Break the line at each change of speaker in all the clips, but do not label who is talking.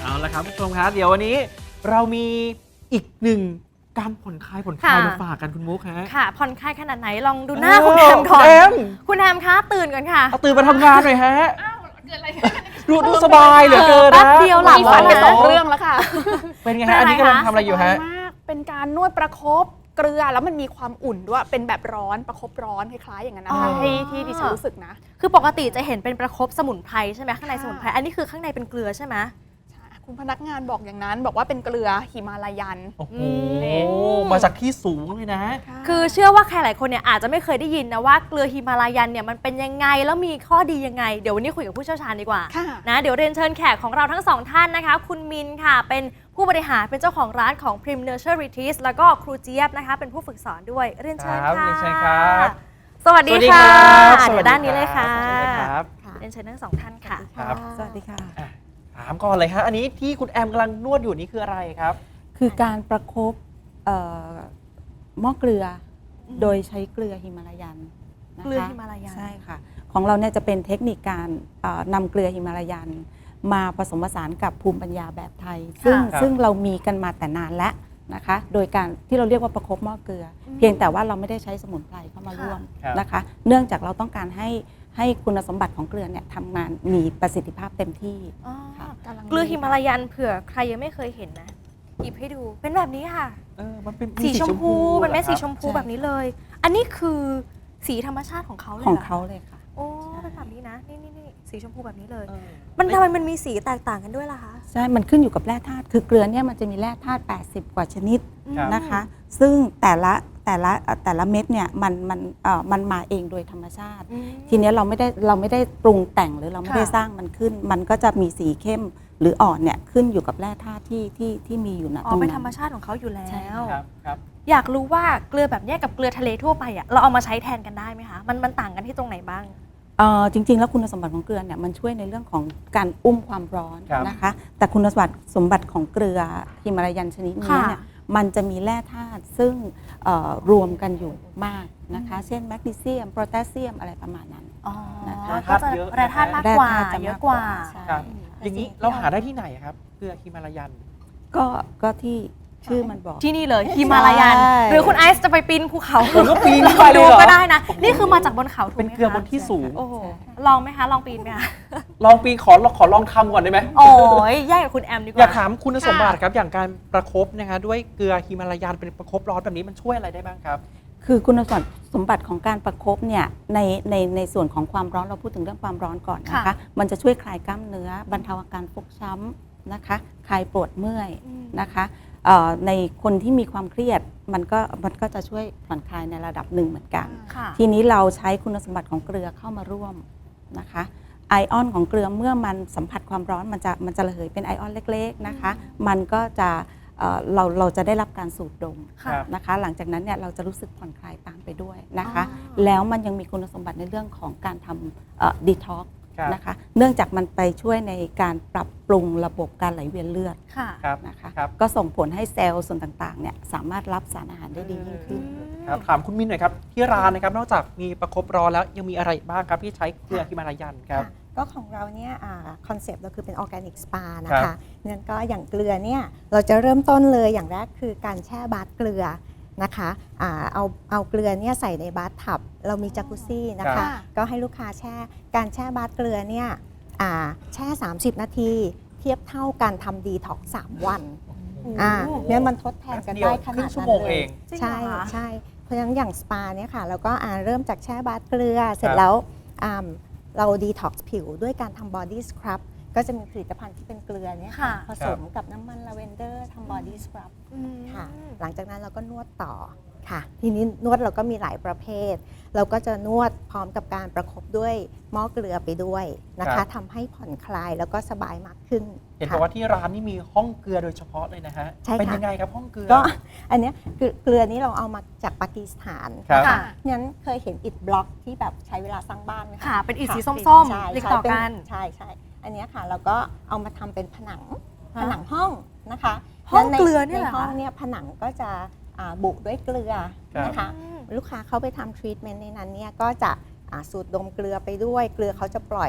เอาละครับผู้ชมครับเดี๋ยววันนี้เรามีอีกหนึ่งการผ่อนคลายมาฝากกันคุณมุกฮะ
ค่ะผ่อนคลายขนาดไหนลองดูหน้าคุณแฮมก่อนคุณแฮมคะตื่นก่อนค่ะ
เอาตื่นมาทำงานหน่อยฮะ
เกิดอะไร
ดูสบายเหลือเกินนะ
แป๊บเดียวหลับ
ฝันไป
แล้วนะ
2 เรื่องแล้วค่ะ
เป็นไงฮะอันนี้กำลังทำอะไรอยู่ฮะ
สบายมากเป็นการนวดประคบเกลือแล้วมันมีความอุ่นด้วยเป็นแบบร้อนประคบร้อนคล้ายๆอย่างนั้นนะคะที่ดิฉันรู้สึกนะ
คือปกติจะเห็นเป็นประคบสมุนไพรใช่ไหมข้างในสมุนไพรอันนี้คือข้างในเป็นเกลือใช่ไหม
คุณพนักงานบอกอย่างนั้นบอกว่าเป็นเกลือหิมาลายัน
โอ้โหมาจากที่สูงเลยนะ
คือเชื่อว่าใครหลายคนเนี่ยอาจจะไม่เคยได้ยินนะว่าเกลือหิมาลายันเนี่ยมันเป็นยังไงแล้วมีข้อดียังไงเดี๋ยววันนี้คุยกับผู้เชี่ยวชาญดีกว่านะเดี๋ยวเรียนเชิญแขกของเราทั้งสองท่านนะคะคุณมินค่ะเป็นผู้บริหารเป็นเจ้าของร้านของ Prim Nurture Retreat แล้วก็ครูเจี๊ยบนะคะเป็นผู้ฝึกสอนด้วยเรียนเชิญค่ะสวัสดีค่ะเดี๋ยวด้านนี้เลยค่ะเรียนเชิญทั้งสองท่านค่ะ
สวัสดีค่ะ
ถามก่อนเลยฮะอันนี้ที่คุณแอมกำลังนวดอยู่นี่คืออะไรครับ
คือการประคบหม้อเกลือโดยใช้เกลือหิมาลายันนะคะ
เกลือหิมาลายัน
ใช่ค่ะของเราเนี่ยจะเป็นเทคนิคการนำเกลือหิมาลายันมาผสมผสานกับภูมิปัญญาแบบไทยซึ่งเรามีกันมาแต่นานแล้วนะคะโดยการที่เราเรียกว่าประคบหม้อเกลือเพียงแต่ว่าเราไม่ได้ใช้สมุนไพรเข้ามาร่วมนะคะเนื่องจากเราต้องการให้คุณสมบัติของเกลือเนี่ยทำงานมีประสิทธิภาพเต็มที่
เกลือหิมาลายันเผื่อใครยังไม่เคยเห็นนะหยิบให้ดูเป็นแบบนี้ค่ะ
มันเป็น
สีชมพูมันไม่สีชมพูแบบนี้เลยอันนี้คือสีธรรมชาติของเขาเลย
ของเขาเลยค่ะ
โอ้เป็นแบบนี้นะนี่สีชมพูแบบนี้เลยมันทำไมมันมีสีแตกต่างกันด้วยล่ะคะ
ใช่มันขึ้นอยู่กับแร่ธาตุคือเกลือเนี่ยมันจะมีแร่ธาตุ80กว่าชนิดนะคะซึ่งแต่ละเม็ดเนี่ยมันมาเองโดยธรรมชาติทีนี้เราไม่ได้ปรุงแต่งหรือเราไม่ได้สร้างมันขึ้นมันก็จะมีสีเข้มหรืออ่อนเนี่ยขึ้นอยู่กับแร่ธาตุที่มีอยู่ณตรงนั้น
เป็นธรรมชาติของเขาอยู่แล้วอยากรู้ว่าเกลือแบบนี้กับเกลือทะเลทั่วไปอ่ะเราเอามาใช้แทนกันได้ไหมคะมันต่างกันที่ตรงไหนบ้าง
จริงๆแล้วคุณสมบัติของเกลือเนี่ยมันช่วยในเรื่องของการอุ้มความร้อนนะคะแต่คุณสมบัติของเกลือหิมาลายันชนิดนี้เนี่ยมันจะมีแร่ธาตุซึ่งรวมกันอยู่มากนะคะเช่นแมกนีเซียมโพแทสเซียมอะไรประมาณนั้น
นะคะก็จะแร่ธาตุมากกว่าเยอะกว่า
อย่างนี้เราหาได้ที่ไหนครับเกลือหิมาลายัน
ก็ที่ชื่อมันบอก
ที่นี่เลยหิมาลายันหรือคุณไอซ์จะไปปีนภูเขา
ผมก็ปีนไปดู
ก็ได้นะนี่คือมาจากบนเขาถูกไหม
เป็นเกลือบนที่สูง
ลองไหมคะลองปีนไหมคะ
ลองปีนขอลองทำก่อนได้ไหม
โอ้ยแย่กับคุณแอมดีกว่า
อยากถามคุณสมบัติครับอย่างการประคบนะคะด้วยเกลือหิมาลายันเป็นประคบร้อนแบบนี้มันช่วยอะไรได้บ้างครับ
คือคุณสมบัติของการประคบเนี่ยในส่วนของความร้อนเราพูดถึงเรื่องความร้อนก่อนนะคะมันจะช่วยคลายกล้ามเนื้อบรรเทาอาการฟกช้ำนะคะคลายปวดเมื่อยนะคะในคนที่มีความเครียดมันก็จะช่วยผ่อนคลายในระดับหนึ่งเหมือนกันทีนี้เราใช้คุณสมบัติของเกลือเข้ามาร่วมนะคะไอออนของเกลือเมื่อมันสัมผัสความร้อนมันจะระเหยเป็นไอออนเล็กๆนะคะมันก็จะเราจะได้รับการสูดดมนะคะหลังจากนั้นเนี่ยเราจะรู้สึกผ่อนคลายตามไปด้วยนะคะแล้วมันยังมีคุณสมบัติในเรื่องของการทำดีท็อกนะคะเนื่องจากมันไปช่วยในการปรับปรุงระบบการไหลเวียนเลือดนะคะก็ส่งผลให้เซลล์ส่วนต่างๆเนี่ยสามารถรับสารอาหารได้ดียิ่งขึ้น
ถามคุณมินหน่อยครับที่ร้านนะครับนอกจากมีประคบร้อนแล้วยังมีอะไรบ้างครับที่ใช้เกลือหิมาลายันครับ
ก็ของเราเนี่ยคอนเซปต์เราคือเป็นออร์แกนิกสปานะคะงั้นก็อย่างเกลือเนี่ยเราจะเริ่มต้นเลยอย่างแรกคือการแช่บาตเกลือนะคะเอาเกลือเนี่ยใส่ในบาตทับเรามีจักรุซี่นะคะก็ให้ลูกค้าการแช่บาตเกลือเนี่ยแช่30 นาทีเทียบเท่าการทำดีท็อก3 วันเนี่ยมันทดแทนกันได้ขนาดนั้นเลยใช่เพราะฉะนั้นอย่างสปาเนี่ยค่ะเราก็เริ่มจากแช่บาตเกลือเสร็จแล้วเราดีท็อกซ์ผิวด้วยการทำบอดี้สครับก็จะมีผลิตภัณฑ์ที่เป็นเกลือเนี่ยผสมกับน้ำมันลาเวนเดอร์ทำบอดี้สครับค่ะหลังจากนั้นเราก็นวดต่อค่ะทีนี้นวดเราก็มีหลายประเภทเราก็จะนวดพร้อมกับการประคบด้วยหม้อเกลือไปด้วยนะคะทำให้ผ่อนคลายแล้วก็สบายมากขึ้น
เห็นบอกว่าที่ร้านนี่มีห้องเกลือโดยเฉพาะเลยนะฮะเป็นยังไงครับห้องเกลือ
ก็อันนี้เกลือนี้เราเอามาจากปากีสถานค่ะงั้นเคยเห็นอิฐบล็อกที่แบบใช้เวลาสร้างบ้านไหมคะ
ค่ะเป็นอิฐสีส้มๆติดต่อกัน
ใช่อันนี้ค่ะเราก็เอามาทำเป็นผนังห้องนะคะ
ห้องเกลือเนี่ย
ในห้องเนี่ยผนังก็จะบุด้วยเกลือนะคะลูกค้าเขาไปทำทรีทเมนต์ในนั้นเนี่ยก็จะสูดดมเกลือไปด้วยเกลือเขาจะปล่อย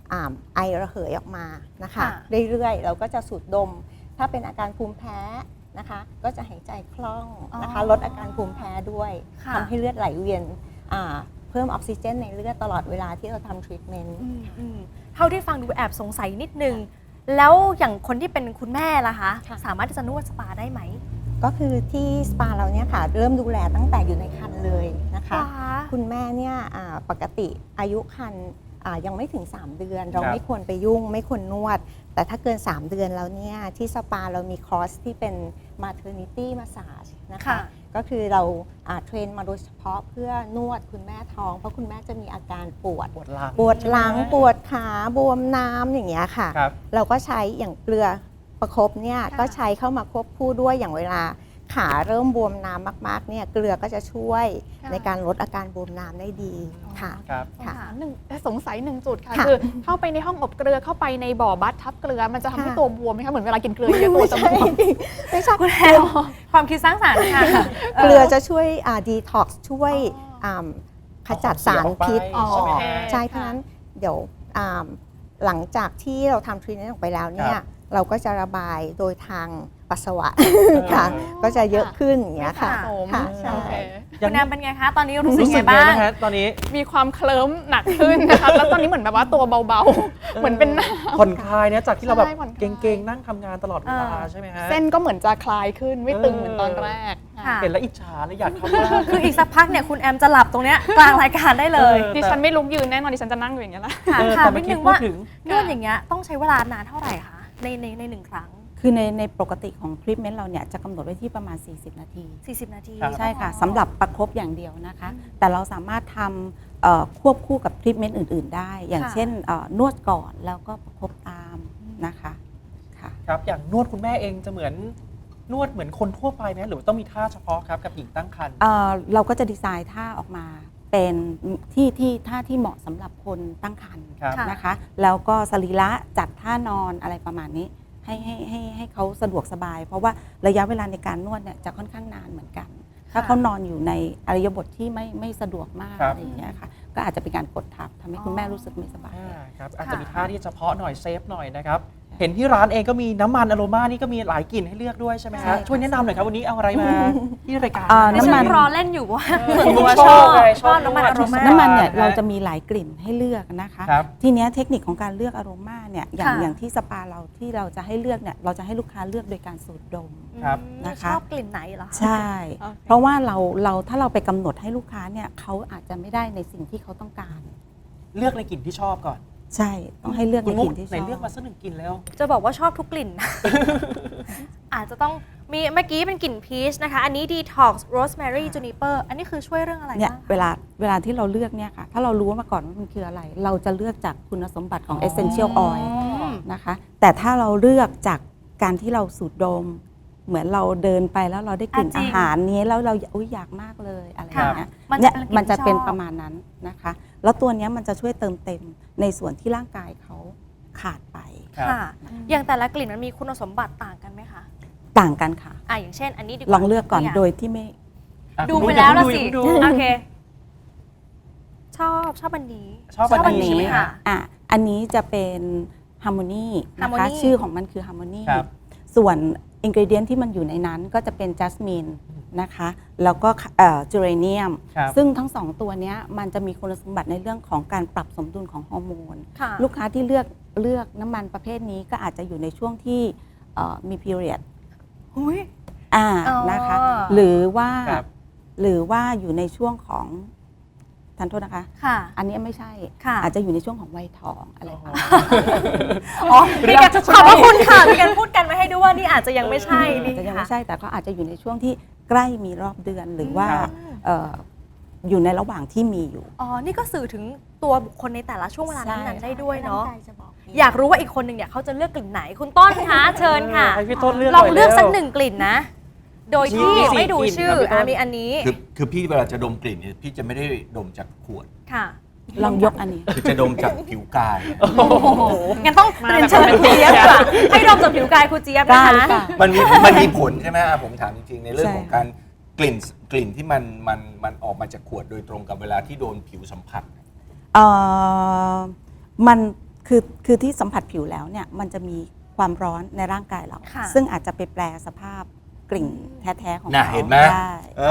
ไอระเหยออกมานะคะ
ค่ะ
เรื่อยๆเราก็จะสูดดม ถ้าเป็นอาการภูมิแพ้นะคะ ก็จะหายใจคล่องนะคะ ลดอาการภูมิแพ้ด้วย
ค่ะ
ทำให้เลือดไหลเวียนเพิ่มออกซิเจนในเลือดตลอดเวลาที่เราทำทรีทเมนต์
เท่าที่ฟังดูแอบสงสัยนิดนึง แล้วอย่างคนที่เป็นคุณแม่ล่ะคะ
ค่ะ
สามารถที่จะนวดสปาได้ไหม
ก็คือที่สปาเราเนี่ยค่ะเริ่มดูแลตั้งแต่อยู่ในครรภ์เลยนะคะ คุณแม่เนี่ยปกติอายุครรภ์ยังไม่ถึง 3 เดือน เรา
ครับ
ไม่ควรไปยุ่งไม่ควรนวด แต่ถ้าเกิน 3 เดือนแล้วเนี่ยที่สปาเรามีคอร์สที่เป็น maternity massage นะคะ
ค่ะ
ก็คือเราเทรนมาโดยเฉพาะเพื่อนวดคุณแม่ท้อง เพราะคุณแม่จะมีอาการปวด
ปวดหลัง
ปวดหลังปวดขาบวมน้ำอย่างเงี้ยค่ะ
ครับ
เราก็ใช้อย่างเกลือประคบเนี่ยก็ใช้เข้ามาควบคู่ด้วยอย่างเวลาขาเริ่มบวมน้ำมากๆเนี่ยเกลือก็จะช่วย
ค่ะ
ในการลดอาการบวมน้ำได้ดีค่ะ
ครับ
ค่ะ
สงสัยหนึ่งจุดค่ะ
ค่ะ
คือเข้าไปในห้องอบเกลือเข้าไปในบ่อบัตทับเกลือมันจะทำให้
ค่ะ
ตัวบวมไหมคะเหมือนเวลากินเกลือเยอะตัวจะบวม
ไม่ใช่
คุณแอลความคิดสร้างสรรค์ค่ะ
เกลือจะช่วยดีท็อกซ์ช่วยขจัดสารพิษ
เอาของเสียออกไป
ใช่เพราะฉะนั้นเดี๋ยวหลังจากที่เราทำทรีทเมนต์ออกไปแล้วเนี่ยเราก็จะระบายโดยทางปัสสาวะค่ะ ก็จะเยอะขึ้นอย่างเงี้ยค่ะ
ไม่สะสม
ค่ะใช่
โอเค
คุณแอมเป็นไงคะ ตอนนี้รู้สึก
รู้สึ
ไง
กไง
บ้าง
นะฮะตอนนี้
มีความเคลิ้มหนักขึ้นนะคะ แล้วตอนนี้เหมือนแบบว่าตัวเบาๆ เหมือนเป็นน้ำ
ผ่อนคลายเนี่ยจากที่เราแบบ
ใช่ผ่อนคลาย
เก่งๆ นั่งทำงานตลอดเวลา
เออ
ใช่ไหมฮะ
เส้นก็เหมือนจะคลายขึ้นไม่ตึงเหมือนตอนแรก
ค่ะ
เห็นแล้วอิจฉาเลยอยากทำบ้าง
คืออีกสักพักเนี่ยคุณแอมจะหลับตรงเนี้ยกลางรายการได้เลย
ดิฉันไม่ลุกยืนแน่นอนดิฉันจะนั่งอยู่อย่างเงี้ยแหละ
ค่ะ
เออ
ค่ะ
แต่เมื่
นิ
อ
ด
กี้
นึง
พูด
ว่า
ถึง
นวดอย่างเงี้ยต้องใช้เวลานานเท่าไหร่คะในหนึ่งครั้ง
คือในปกติของทรีทเมนต์เราเนี่ยจะกำหนดไว้ที่ประมาณ 40 นาที
40 นาที
ครับ
ใช่ค่ะสำหรับประคบอย่างเดียวนะคะ แต่เราสามารถทำควบคู่กับทรีทเมนต์อื่น ๆ ได้ อย่างเช่นนวดก่อนแล้วก็ประคบตามนะคะค่ะ
ครับอย่างนวดคุณแม่เองจะเหมือนนวดเหมือนคนทั่วไปไหมหรือว่าต้องมีท่าเฉพาะครับกับหญิงตั้งครรภ์
เราก็จะดีไซน์ท่าออกมาเป็นที่ท่าที่เหมาะสำหรับคนตั้งครรภ์
ครับ
นะคะ แล้วก็สรีระจัดท่านอนอะไรประมาณนี้ให้เขาสะดวกสบาย เพราะว่าระยะเวลาในการนวดเนี่ยจะค่อนข้างนานเหมือนกัน ถ้าเขานอนอยู่ในอริยบทที่ไม่สะดวกมาก
ครับ
อะไรอย่างเงี้ยค่ะก็อาจจะเป็นการกดทับทำให้คุณแม่รู้สึกไม่สบาย
ครับอาจจะมีท่าที่เฉพาะหน่อยเซฟหน่อยนะครับ เห็นที่ร้านเองก็มีน้ำมันอโรมานี่ก็มีหลายกลิ่นให้เลือกด้วยใช่ไหม
ใช่
ฮะ
ค่ะ
ช่วยแนะนำหน่อยครับวันนี้เอาอะไรมาที่รายการ
น้ำ
น้ำมั
มัน
น
รอเล่นอยู่ว่า
คุณ
ตัว
ช
ช
อ
อ
บบ ไงชอบ
น้ำมันอารมณ์
ชอบ
น้ำมันเนี่ย
นะ
เราจะมีหลายกลิ่นให้เลือกนะคะ
ครับ
ทีเนี้ยเทคนิคของการเลือกอโรมาเนี่ยอย่าง
ค่ะ
อย่างที่สปาเราที่เราจะให้เลือกเนี่ยเราจะให้ลูกค้าเลือกโดยการสูดดม
ครับ
นะคะ
ชอบกลิ่นไหนเหรอคะ
ใช่
โอเค
เพราะว่าเราถ้าเราไปกำหนดให้ลูกค้าเนี่ยเขาอาจจะไม่ได้ในสิ่งที่เขาต้องการ
เลือกในกลิ่นที่ชอบก่อน
ใช่ต้องให้เลือก
คุ
ใน
ณมุ
ก
ก
ลิ่นที่ช
ไหน
อบ
เลือกมาสักหนึ่งกลิ่นแล้ว
จะบอกว่าชอบทุกกลิ่น อาจจะต้องมีเมื่อกี้เป็นกลิ่นพีชนะคะ อันนี้ Detox Rosemary Juniper อันนี้คือช่วยเรื่องอะไร
เนี่ย
บ้างคะ
เวลาที่เราเลือกเนี่ยค่ะถ้าเรารู้มาก่อนว่ามันคืออะไร เราจะเลือกจากคุณสมบัติของ
อ๋อ
essential oil
ม
นะคะแต่ถ้าเราเลือกจากการที่เราสูดดม เหมือนเราเดินไปแล้วเราได้กลิ่น
จริ
อาง หารนี้แล้วเราอุ๊ยอยากมากเลยอะไรอย่างเงี้ย
มันจะ
เนี่ย
เป็นกลิ่น
มันจะเป็น
ที่ชอบ
ประมาณนั้นนะคะ แล้วตัวเนี้ยมันจะช่วยเติมเต็มในส่วนที่ร่างกายเขาขาดไป
ครับ
ค่ะ อย่างแต่ละกลิ่นมันมีคุณสมบัติต่างกันไหมคะ
ต่างกันค่ะ
อย่างเช่น อันนี้ดีกว่า
ลองเลือกก่อน
ตัวย่าง
โดยที่ไม่
อ่ะ
ดู
คุณ
ไป
มุก
แล้วละ
อย่า
สิ
เพิ่งดู
โอเค ชอบอันนี้
ชอบอันนี้
ใช่ไหมคะ
อันนี้จะเป็นฮาร์โมนีนะคะ
Harmony
ชื่อของมันคือฮาร์โมนี
ครับ
ส่วนอินก e เดียนที่มันอยู่ในนั้นก็จะเป็นจัสมินนะคะแล้วก็จูเรเนียม
ครับ
ซึ่งทั้งสองตัวเนี้ยมันจะมีคุณสมบัติในเรื่องของการปรับสมดุลของฮอร์โมน
ค่ะ
ลูกค้าที่เลือกน้ำมันประเภทนี้ก็อาจจะอยู่ในช่วงที่มี period
หุย อ๋อ
นะคะหรือว่า
ครับ
อยู่ในช่วงของทันโทษนะคะ
ค่ะ
อันนี้ไม่ใช่
ค่ะ
อาจจะอยู่ในช่วงของวัยทองอะไรประมาณนั้น
อ๋อมีการขอบพระคุณค่ะมีการพูดกันมาให้ด้วยว่านี่อาจจะยังไม่ใช่นี่
อาจจะยัง
ค่ะ
ไม่ใช่แต่ก็อาจจะอยู่ในช่วงที่ใกล้มีรอบเดือนหรือว่า
ครับ
อยู่ในระหว่างที่มีอยู่
อ๋อ นี่ก็สื่อถึงตัวบุคคลในแต่ละช่วงเวลานั้นๆได้ด้วยเนาะ
ร่งกจะบอกเง
อยากรู้ว่าอีกคนหนึ่งเนี่ยเขาจะเลือกกลิ่นไหน คุณต้นคะเชิญค่ะ
ให้พี่ต้นเลือก
ลอง
หน่ย
เลือก
ร็ว
สักหนึ่งกลิ่นนะ โดยที่
มีสี่
ไม่ดู
กลิ่น
ชื่อ
ครับพี่ต้น
มีอันนี้
คือพี่เวลาจะดมกลิ่นเนี่ยพี่จะไม่ได้ดมจากขวด
ค่ะ
ลองยกอันนี้
คือจะดมจากผิวกาย
โอ้โห
งั้นต้องเรียนเชิญคุณเจี๊ยบค่ะให้ดมจากผิวกายคุณเจี๊ยบ
กล้า
นะ
หรือเป
คะ
ล่า
มันมีผลใช่ไหมผมถามจริงๆ ในเรื่อง
ใช่
ของการกลิ่นที่มันออกมาจากขวดโดยตรงกับเวลาที่โดนผิวสัมผัส
เอ่อมันคือที่สัมผัสผิวแล้วเนี่ยมันจะมีความร้อนในร่างกายเรา
ค่ะ
ซึ่งอาจจะไปแปลสภาพกลิ่นแท้ๆของ
น่ะ
เขา
เห็นไหม
ได้
เอ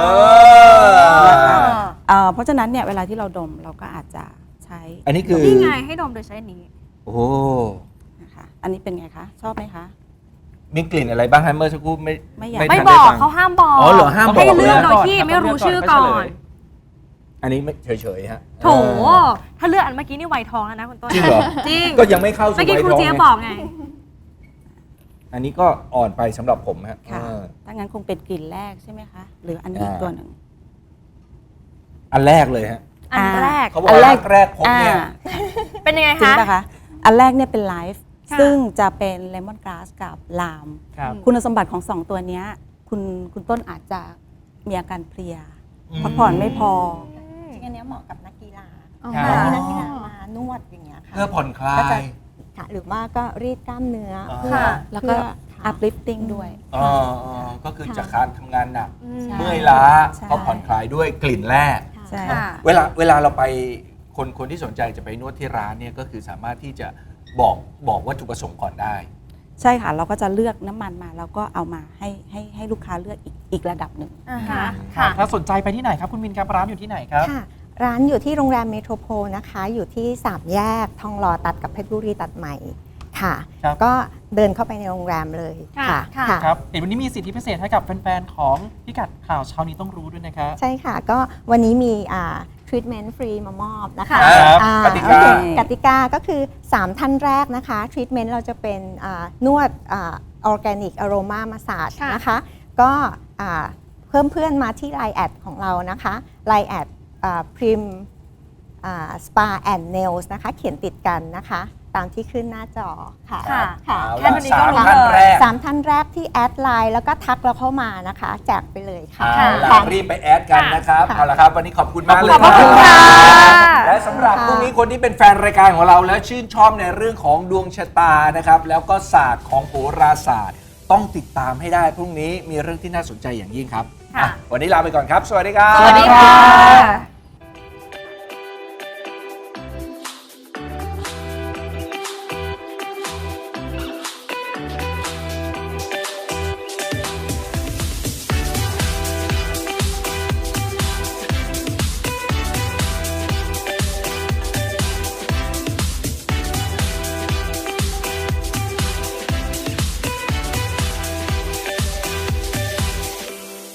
เพราะฉะนั้นเนี่ยเวลาที่เราดมเราก็อาจจะใช้
อันนี้คือ
นี่ไงให้ดมโดยใช้อันนี้
โอ้โห
นะคะอันนี้เป็นไงคะ ชอบไหมคะ
มีกลิ่นอะไรบ้างฮะเมื่อสักครู่ไม่
ไม่อยาก
ไม่
ทัน
บ
ด้
อก
ฟัง
เขาห้ามบอก
อ๋อเหรอห้ามบอก
ให้เลือก
เลย
โดยที่ไม่รู้ชื่อก่อน
อันนี้ไม่เฉยๆฮะ
โถถ้าเลือกอันเมื่อกี้นี่ไวทองแล้วนะคุณต้น
จริงเหรอ
จริง
ก็ยังไม่เข้าสู่
เมื่อกี้
ไว
ครู
ทอง
เจี๊ยบ
ไง
บอกไง
อันนี้ก็อ่อนไปสำหรับผมฮะ
ค่ะ ถ้างั้นคงเป็นกลิ่นแรกใช่ไหมคะ หรืออันนี้อีกตัวหนึ่ง
อันแรกเลยฮะ
อันแรก
เขาบอกว่าแรกพบเนี่ย
เป็นยังไง
จริง
คะ
ป่ะคะ อันแรกเนี่ยเป็นไลฟ์
ค่ะ
ซึ่งจะเป็นเลมอนก a าสกับลาม
ครับ
คุณสมบัติของ 2 ตัวเนี้ยคุณต้นอาจจะมีอาการเพลีย
อืม
พักผ่อนไม่พอ
จริงๆอันเนี้ยเหมาะกับนักกีฬา
ครับ
ที่นักกีฬามานวดอย่างเงี้ยค่ะ
เพื่อผ่อนคลา
ก็จะ
ย
ค่ะหรือว่าก็รีดกล้ามเนื้อ
อ๋อ
เพื่อ
ค่ะ
แล้วก็
เพื่อค่ะ
uplifting ด้วย
อ๋อก็คือจากการทำงานหนัก
อืม
ใช่
เมื่อยล้า
ใช่
ก็ผ่อนคลายด้วยกลิ่นแรก
ใช่
ค่ะ
เวลาเราไปคนที่สนใจจะไปนวดที่ร้านเนี่ยก็คือสามารถที่จะบอกวัตถุประสงค์ก่อนได้
ใช่ค่ะ เราก็จะเลือกน้ำมันมาแล้วก็เอามาให้ลูกค้าเลือกอีกระดับหนึ่ง
อ่าฮะ
ค่ะ
ค่ะ
ถ้าสนใจไปที่ไหนครับคุณมินครับร้านอยู่ที่ไหนครับ
ค่ะ ร้านอยู่ที่โรงแรมเมโทรโพลนะคะ อยู่ที่3แยกทองหล่อตัดกับเพชรบุรีตัดใหม่ค่ะ
ครับ
ก็เดินเข้าไปในโรงแรมเลย
ค่ะ
ค่ะ
ค่ะ
ครับเห็นวันนี้มีสิทธิพิเศษให้กับแฟนๆของพิกัดข่าวเช้านี้ต้องรู้ด้วยนะครับ
ใช่ค่ะ ก็วันนี้มีทรีทเมนต์ฟรีมามอบนะคะ
ครับ
อ่
กติกา
โอเคกติกาก็คือ 3 ท่านแรกนะคะทรีทเมนต์เราจะเป็นนวดออร์แกนิกอโรมามาสาจ
ค่ะ
นะคะ ก็เพิ่มเพื่อนมาที่ Line แอดของเรานะคะ Line แอดพริมสปาแอนด์เนลส์นะคะ เขียนติดกันนะคะ ตามที่ขึ้นหน้าจอค่ะ
ค่ะ
ค่ะ
เอา
แค่
ละ
นี้ก็รู้
สามท่านแรก
สามท่านแรกที่แอดไลน์แล้วก็ทักเราเข้ามานะคะ แจกไปเลยค่ะ
เอาล่ะ
ค่ะ
รีบไปแอดกันนะครับ
ค่ะ
เอาละครับวันนี้ขอบคุณมากเลย
ขอบคุณค่ะ
และสำหรับพรุ่งนี้คนที่เป็นแฟนรายการของเราและชื่นชอบในเรื่องของดวงชะตานะครับแล้วก็ศาสตร์ของโหราศาสตร์ ต้องติดตามให้ได้พรุ่งนี้มีเรื่องที่น่าสนใจอย่างยิ่งครับ
ค่ะ
วันนี้ลาไปก่อนครับ สวัสดีครับ
สวัสดีค่ะ